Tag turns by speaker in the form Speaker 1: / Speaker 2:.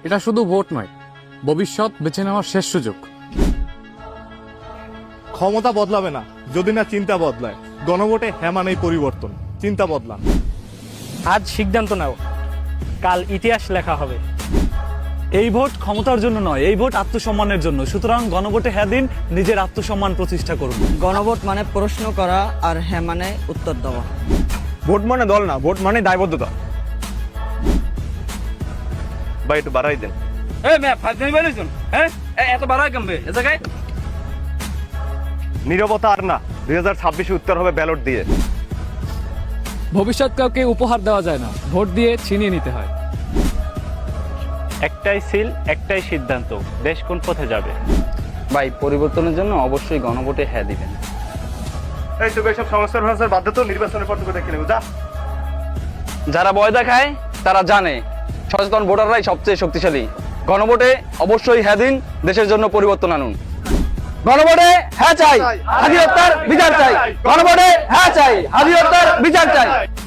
Speaker 1: এটা শুধু ভোট নয়, ভবিষ্যৎ বেছে নেওয়ার শেষ সুযোগ।
Speaker 2: ক্ষমতা বদলাবে না যদি না চিন্তা বদলায়। গণভোটে হ্যাঁ মানেই পরিবর্তন। চিন্তা বদলান।
Speaker 3: আজ সিদ্ধান্ত নাও, কাল ইতিহাস লেখা হবে।
Speaker 4: এই ভোট ক্ষমতার জন্য নয়, এই ভোট আত্মসম্মানের জন্য। সুতরাং গণভোটে হ্যাঁ দিন, নিজের আত্মসম্মান প্রতিষ্ঠা করুন।
Speaker 5: গণভোট মানে প্রশ্ন করা, আর হ্যাঁ মানে উত্তর দেওয়া।
Speaker 6: ভোট মানে দল না, ভোট মানে দায়বদ্ধতা। ভাই একটু বাড়াই দেন।
Speaker 3: এত বাড়ায় কমবে এ জায়গায়।
Speaker 6: নীরবতা আর না, 2026 উত্তর হবে ব্যালট দিয়ে।
Speaker 1: ভবিষ্যৎ কাউকে উপহার দেওয়া যায় না, ভোট দিয়ে ছিনিয়ে নিতে হয়।
Speaker 3: একটাই সিল, একটাই সিদ্ধান্ত, দেশ কোন পথে যাবে।
Speaker 7: ভাই, পরিবর্তনের জন্য অবশ্যই গণভোটে হ্যাঁ দিবেন।
Speaker 6: এই তো এইসব সংস্কার ভাষার বাধ্য তো নির্বাচনের পর তোকে দেখে নেব। যা।
Speaker 7: যারা ভয় দেখায় তারা জানে সচেতন ভোটাররাই সবচেয়ে শক্তিশালী। গণভোটে অবশ্যই হ্যাঁ দিন, দেশের জন্য পরিবর্তন আনুন। গণভোটে হ্যাঁ চাই, হাজি হত্যার বিচার চাই। গণভোটে হ্যাঁ চাই, হাজি হত্যার বিচার চাই।